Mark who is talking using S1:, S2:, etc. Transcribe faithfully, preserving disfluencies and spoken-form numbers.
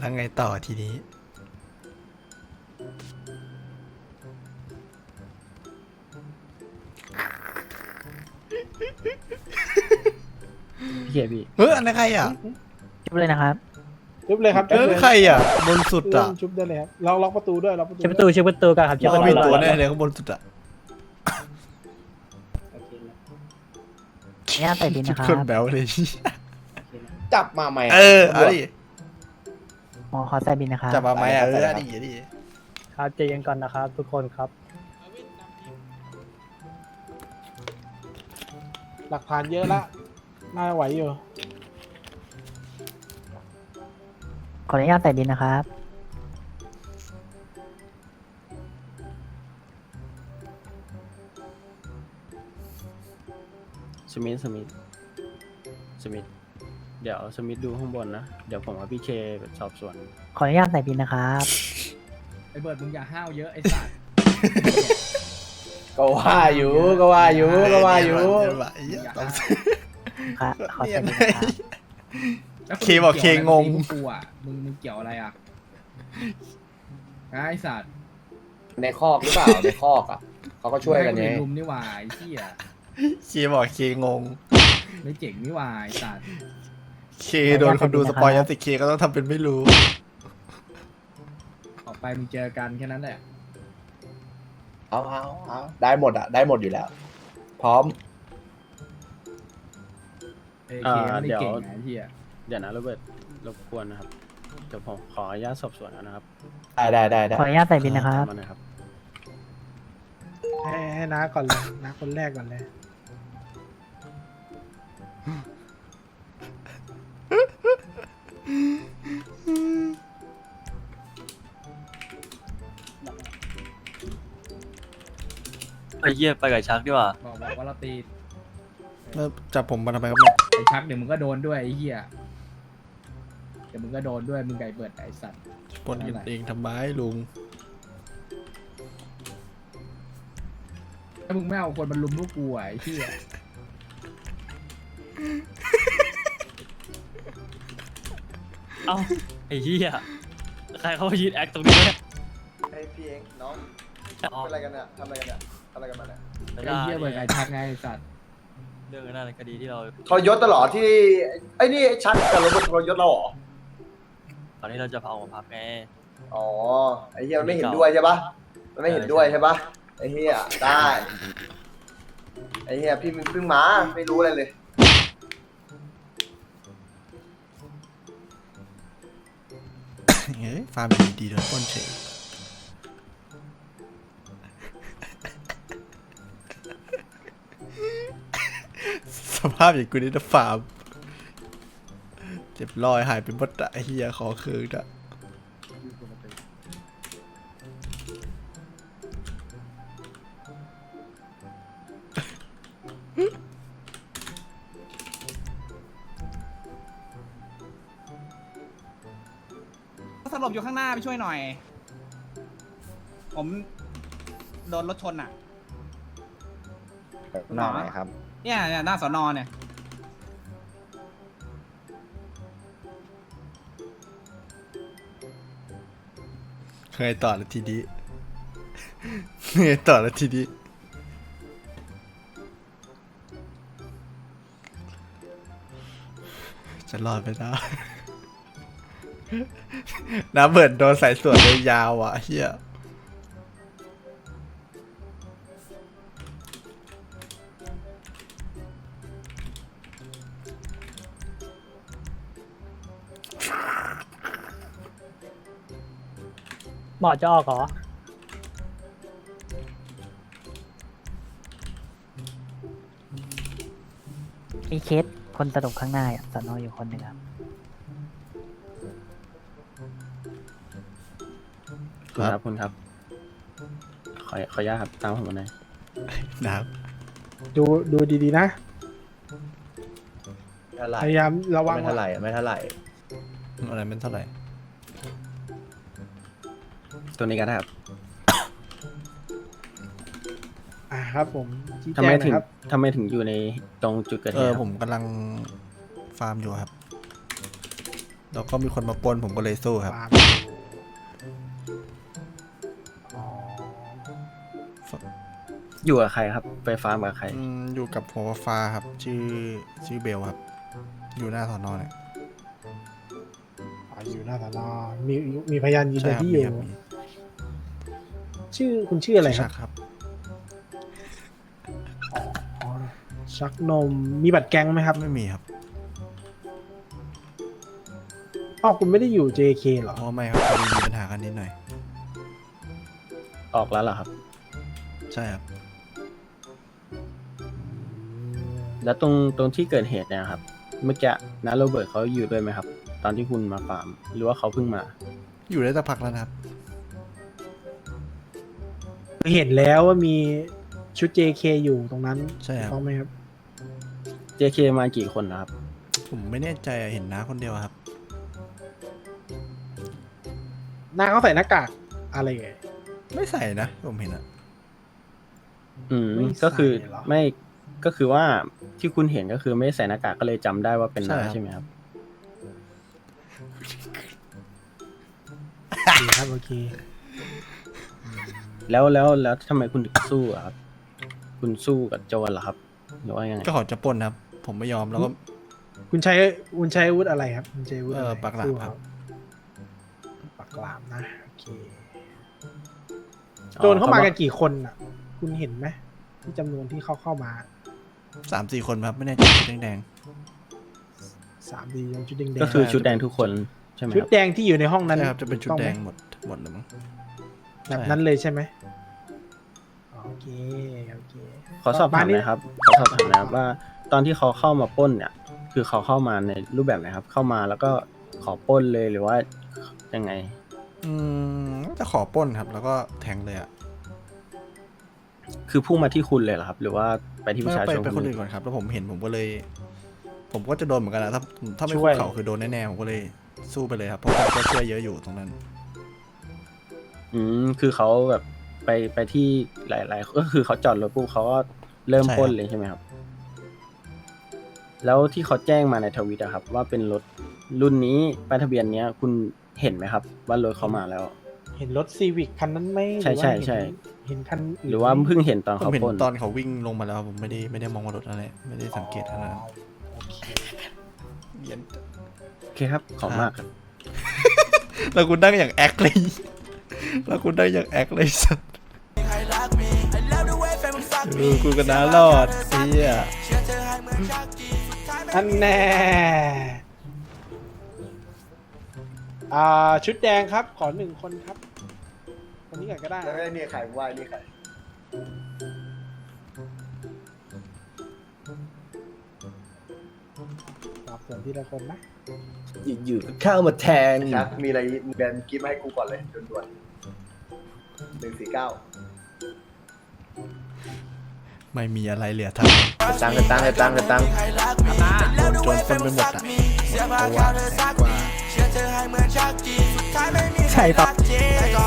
S1: แล้วไงต่อทีนี้
S2: พี่เคพี่
S1: เฮ้ยอันนั้นใครอ่ะ
S3: ชุบเลยนะครับ
S4: ชุบเลยครับ
S1: เอ้ยใครอ่ะบนสุดอ่ะ
S4: ชุบได้เลยครับล็อกล็อกประตูด้วยล็อกประตู
S3: ชุบประตูชุบประตูกันครับชุบ
S1: เรา
S3: ประ
S1: มี
S3: ตู
S1: ตัวแน่เลยข้างบนสุดอ่ะ
S3: เนี่ยใส่บิน
S1: ชุ
S3: นะ
S1: ด
S3: ครั
S1: คน
S3: บ
S1: แบวเลย
S5: จับมาใหม่
S1: เออเอาดิ
S3: หมอขอใส่บินนะครับ
S1: จับมาไหมอ่ะเออเอาดิเอาดิ
S3: ครับใจเย็นก่อนนะครับ ทุกคนครับ
S4: หลักฐานเยอะละน่าไหวอยู่
S3: ขออนุญาตใส่บินนะครับ
S2: สมิธสมิธสมิธเดี๋ยวสมิธดูข้างบนนะ เดี๋ยวผมกับพี่เคสอบสวน
S3: ขออนุญาตใส่บินนะครับ
S6: ไอเบิร์ดมึงอย่าห้าวเยอะไอสัตว์
S5: ก็ว่าอยู่ก็ว่าอยู่ก็ว่าอยู่
S1: เดี๋วว่ะไอ้เหี้ยต้อง
S3: ครับขอใส่บินนะครับ
S6: แล้วน
S1: เคบอกเคงง
S6: กี่ยวอะไรกับกูอ่ะมึงมึงเกี่ยวอะไรอ่ะไอสัตว์
S5: ในคอกหรือเปล่าในคอกอ่ะเขาก็ช่วยกัน
S6: ไง
S5: ไง
S6: ลุมนี่หว่าไอ้เหี้ย
S1: เคบอกเคงง
S6: ไม่เจ๋งนี่หว่าไอสัตว์
S1: เคโดนคนดูสปอยยัสิเคก็ต้องทำเป็นไม่รู้
S6: ออกไปมึงเจอกันแค่นั้นแหละ
S5: เอาเอาเอาได้หมดอ่ะได้หมดอยู่แล้ว พร้อม
S6: เอเคไม่ได้เก่งนะไอ้เหี้ย
S2: เดี๋ยวนะโรเบิร์ตรบกวนนะครับ เดี๋ยวผมขออนุญาตสอบสวนก่อนนะครับ
S5: ได้ได้ได้ได้
S3: ขออนุญาตใส่บินนะครับ
S2: มาหน่อยครับ
S4: ให้ให้น้าก่อนเลยน้าคนแรกก่อนเลย
S7: ไอ้เหี้ยไปกับชักดีกว่า
S6: บอกบอกว่าเราตี
S1: แล้วจับผมมาทำไมครับเนี่ย
S6: ไอชักเดี๋ยวมึงก็โดนด้วยไอ้เหี้ยเดี๋ยวมึงก็โดนด้วยมึงไก่เบิร์ดไอสัตว์
S1: ปนกันเองทำไมลุง
S6: ถ้ามึงไม่เอาคนมันลุมลูกกูอ่ะไอ้เหี้ย
S7: เอ้าไอ้เหี้ยใครเขามายืนแอคตรงนี้เนี่ย
S5: ไอพี่เองน้อง
S7: อ๋อ
S5: เป็นอะไรกันเนี่ยทำอะไรกันเนี่ยทำอะไรกันมาเนี่ย
S6: ไอ้เหี้ยเบิร์ดไอชักไงไอ้สัตว์
S7: เรื่องนั้นคดีที่เรา
S5: ทรยศตลอดที่ไอ้นี่ไอ้ชัดกับโรเบิร์ตทรยศเราเหรอ
S7: ตอนนี้เราจะพาออกมาพักไง
S5: อ๋อไอ้เฮียมันไม่เห็นด้วยใช่ปะมันไม่เห็นด้วยใช่ปะไอ้เฮียได้ไอ้เฮียพี่เพิ่งมาไม่รู้อะไรเลย
S1: เฮ้ยฟาร์มดีๆโดนปล้นเฉยสภาพอย่างกูนี่นะฟาร์มเจ็บรอยหายเป็นบดอะไอ้เฮียขอคืนอะ
S6: สลบอยู่ข้างหน้าไปช่วยหน่อย ผมโดนรถชนอ่ะ
S5: หน้าไหนครับ
S6: เนี่ยเนี่ยหน้าสอนอเนี่ย
S1: เคยต่อแล้วทีนี้เคยต่อแล้วทีนี้จะรอดไปนะ น้ำเบิร์ดโดนสายสวนเลยยาวอ่ะเฮีย
S3: หมอจะออกเหรอมีเคสคนสลบข้างหน้าอ่ะสอนออยู่คนหนึ่งครับ
S2: คุณครับคุณครับ ขอขออนุญาตครับตามผมมาหน่อย
S1: น้
S4: ดูดูดีๆนะ
S5: เท่าไหร่
S4: พยายามระวัง
S5: ไม่เท่าไหร่ไม่เท่าไหร่
S1: ำอะไรเป็นเท่าไหร่
S2: ตัวนี้ก็ได้ครับ
S4: อ่าครับผมชี้
S2: ทำ
S4: แจ
S2: ไม
S4: ง
S2: ถึง
S4: นะครับ
S2: ทำไมถึงอยู่ในตรงจุดเกิด
S1: เอ
S2: เห
S1: อ
S2: ตุค
S1: ผ
S2: รับ
S1: มกำลังฟาร์มอยู่ครับแล้วก็มีคนมาปล้นผมก็เลยสู้ครับ
S4: ฟาร์มอ๋อ
S2: อยู่กับใครครับ ไปฟาร์มกับใคร
S1: อืมอยู่กับหัวฟ้าครับ ชื่อชื่อเบลครับ อยู่หน้าสอนอเนี่ย
S4: อ๋ออยู่หน้าสอนอมีมีพยานยืน
S1: ใช่
S4: ยัน
S1: ครับ
S4: ที่อ
S1: มี
S4: ยู่
S1: ครับมี
S4: ชื่อคุณชื่ออะไรค
S1: ชั
S4: รับ
S1: กครับ
S4: อ๋อชักนมมีบัตรแก๊งไหมครับ
S1: ไม่มีครับ
S4: อ๋อคุณไม่ได้อยู่ เจ เค เหรอ
S1: เพราะไม่ครับพอดีมีปัญหากันนิดหน่อย
S2: ออกแล้วเหรอครับ
S1: ใช่ครับ
S2: แล้วตรงตรงที่เกิดเหตุเนี่ยครับ เมื่อกี้นะโรเบิร์ตเขาอยู่ด้วยไหมครับ ตอนที่คุณมาฟาร์ม หรือว่าเขาเพิ่งมา
S1: อยู่ได้สักพักแล้วนะครับ
S4: เห็นแล้วว่ามีชุด เจ เค อยู่ตรงนั้น
S1: ใช่ครับ
S4: ถูกต้องไหมครับ
S2: เจ เค มากี่คนนะครับ
S1: ผมไม่แน่ใจอะเห็นน้าคนเดียวครับ
S4: หน้าเขาใส่หน้ากากอะไรไง
S1: ไม่ใส่นะ ผมเห็นอะ
S2: อืม
S4: ไม่ใส่
S2: ก็คือ
S4: เหรอ
S2: ไม่ก็คือว่าที่คุณเห็นก็คือไม่ใส่หน้ากากก็เลยจำได้ว่าเป็นน้าใช่ไหมครับ
S4: ดีครับโอเค
S2: แล้วแล้วแล้วทำไมคุณถึงสู้อะครับ คุณสู้กับโจรเหรอครับ หรือว่ายังไง
S1: ก็ขอจะปล้นครับ ผมไม่ยอมแล้วก็
S4: คุณใช้คุณใช้อาวุธอะไรครับ คุณใช้อาวุธอะไร
S1: เออปากหลาม
S4: สู้
S1: ครับ
S4: ปากหลามนะโอเคโจรเข้ามากันกี่คนอ่ะ คุณเห็นไหมที่จำนวนที่เขาเข้ามา
S1: สามสี่คนครับ ไม่แน่ใจชุดแดง
S4: สามดีชุดแดงๆ
S2: ก็คือชุดแดงทุกคนใช่ไหม
S4: ชุ
S2: ค
S4: ด
S2: รับ
S4: แดงที่อยู่ในห้อง
S1: ๆ
S4: นั้น
S1: ใช่ครับ จะเป็นชุด
S4: ถูก
S1: แด
S4: ต้อง
S1: ง
S4: ไหม
S1: หมดหมดเลยมั้ง
S4: แบบนั้นเลยใช่ไหมโอเคโอเค
S2: ขอสอบถามหน่อยครับ ขอสอบถามหนะครับว่า ตอนที่เขาเข้ามาปล้นเนี่ย คือเขาเข้ามาในรูปแบบไหนครับ เข้ามาแล้วก็ขอปล้นเลยหรือว่ายังไง
S1: อืมจะขอปล้นครับ แล้วก็แทงเลยอะ
S2: คือพุ่งมาที่คุณเลยเหรอครับ หรือว่าไปที่ประชา
S1: ไป
S2: ชน
S1: ไปคนอื่นก่อนครับ แล้วผมเห็นผมก็เลย ผมก็จะโดนเหมือนกันนะถ้าถ้าไม่คุกเข่าคือโดนแน่ๆผมก็เลยสู้ไปเลยครับ เพราะผมก็ช่วยเยอะอยู่ตรงนั้น
S2: อืมคือเขาแบบไปไปที่หลายๆก็คือเขาจอดรถปุ๊บเขาก็เริ่ม
S1: ใช่ครับ
S2: ปล้นเลยใช่ไหมครับ แล้วที่เขาแจ้งมาในทวิตอะครับ ว่าเป็นรถรุ่นนี้ป้ายทะเบียนเนี้ย คุณเห็นไหมครับ ว่ารถเขามาแล้ว
S4: เห็นรถซีวิกคันนั้นไหม
S2: ใช่
S4: รือว่า
S2: ใช่ใช่
S4: เห็นเห็นคันน
S2: หรือว่าเพิ่งเห็นตอน
S1: ผม
S2: เขา
S1: เห็น
S2: ปล้น
S1: ตอนเขาวิ่งลงมาแล้ว ผมไม่ได้ไม่ได้มองว่ารถอะไร ไม่ได้สังเกตขนาดนั้น
S4: โอเค
S1: เหี้ย
S2: โอเคครับ ขอบมากครับ
S1: แล้วคุณนั่งอย่างแอคเลย แล้วคุณนั่งอย่างแอคเลยสัสเออกูก็น่ารอดเฮีย
S4: อันแน่อ่าชุดแดงครับ ขอหนึ่งคนครับ คนนี้ก่อนก็ได้
S5: แล้วไอ้นี่ใครว่านี่ใคร
S4: สอบส่วนทีละคนนะ
S2: อยู่ๆก็เข้ามาแทง
S5: ชักมีอะไรมึงเดินกิฟต์มาให้กูก่อนเลยด่วนๆหนึ่งสี่เก้า
S1: ไม่มีอะไรเหลือท
S5: ตังค์ตังค์ตังค์ตังค์
S1: ำโดนโจรปล้นไปหมดอ่ะเพราะว่าแสนกว่า
S3: ใช่ปะ